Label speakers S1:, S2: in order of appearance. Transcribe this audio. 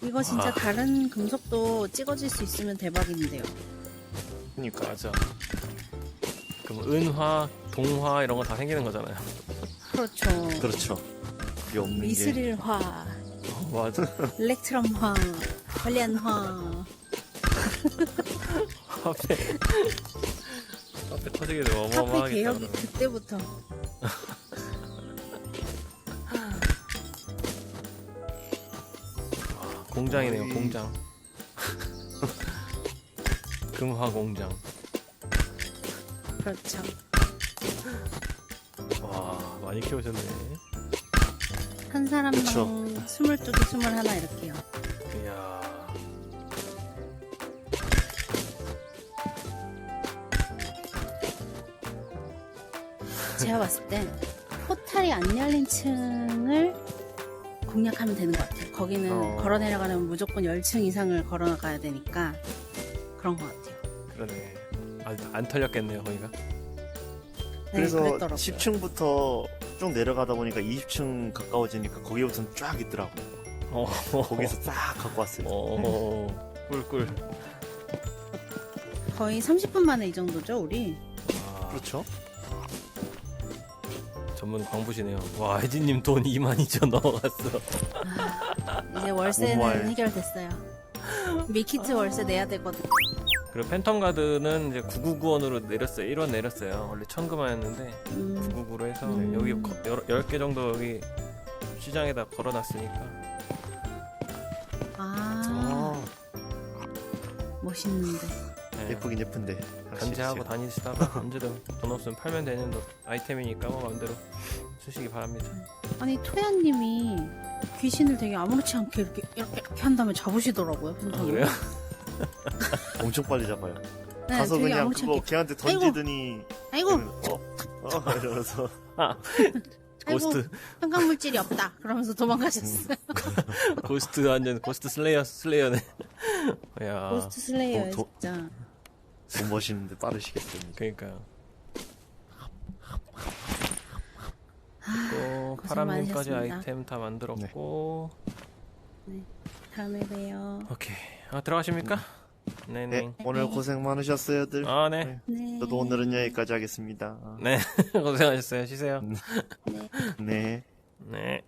S1: 이거 진짜 다른 금속도 찍어질 수 있으면 대박인데요.
S2: 그니까 맞아. 그럼 은화, 동화 이런 거 다 생기는 거잖아요.
S1: 그렇죠.
S3: 그렇죠. 그게 없는 게.
S1: 미스릴화,
S2: 맞아.
S1: 일렉트럼화, 관련화.
S2: 카페 터지게 되면
S1: 카페
S2: 어마어마하겠다.
S1: 개혁이
S2: 그러면.
S1: 그때부터.
S2: 공장이네요,
S3: 거의-
S2: 공장. 금화 공장.
S1: 그렇죠.
S2: 와, 많이 키우셨네.
S1: 한 사람당
S3: 그쵸.
S1: 22개, 21 이렇게요.
S2: 이야.
S1: 제가 봤을 땐 포탈이 안 열린 층을 공략하면 되는 것 같아요. 거기는 걸어 내려가려면 무조건 10층 이상을 걸어 나가야 되니까 그런 것 같아요.
S2: 그러네. 안 털렸겠네요, 거기가.
S1: 네,
S3: 그래서
S1: 그랬더라고요.
S3: 10층부터 쭉 내려가다 보니까 20층 가까워지니까 거기부터는 쫙 있더라고요. 거기서 싹 갖고 왔어요.
S2: 꿀꿀.
S1: 거의 30분 만에 이 정도죠, 우리?
S2: 아,
S3: 그렇죠.
S2: 전문 광부시네요. 와, 혜진님 돈 22,000 넘어갔어.
S1: 이제 월세는
S3: 정말.
S1: 해결됐어요. 밀키트 월세 내야 되거든.
S2: 그리고 팬텀 가드는 이제 999원으로 내렸어요. 1원 내렸어요. 원래 1,000금화였는데 999로 해서 여기 10개 정도 여기 시장에다 걸어놨으니까.
S1: 아, 멋있는데.
S2: 네,
S3: 예쁘긴 예쁜데.
S2: 견제하고 다니시다가 언제든 돈 없으면 팔면 되는 아이템이니까 뭐 마음대로 쓰시기 바랍니다.
S1: 아니, 토야님이 귀신을 되게 아무렇지 않게 이렇게 한 다음에 잡으시더라고요.
S2: 아, 그래요?
S3: 엄청 빨리 잡아요.
S1: 네,
S3: 가서
S1: 되게
S3: 그냥
S1: 아무렇지
S3: 그거
S1: 않게.
S3: 걔한테 던지더니
S1: 아이고,
S3: 이러면서
S2: 고스트
S1: 현강물질이 없다. 그러면서 도망가셨어요.
S2: 고스트 완전 고스트 슬레이어네. 야,
S1: 고스트 슬레이어예요,
S3: 도-
S1: 진짜.
S3: 돈 멋있는데 빠르시겠습니다.
S2: 그러니까요. 또
S1: 고생
S2: 파람님까지
S1: 많으셨습니다.
S2: 아이템 다 만들었고.
S1: 다음에 봬요.
S2: 오케이. 들어가십니까? 네네.
S3: 네, 오늘 고생 많으셨어요들.
S2: 아, 네.
S1: 네.
S3: 저도 오늘은 여기까지 하겠습니다.
S2: 네. 고생하셨어요. 쉬세요.
S1: 네.
S3: 네.
S2: 네.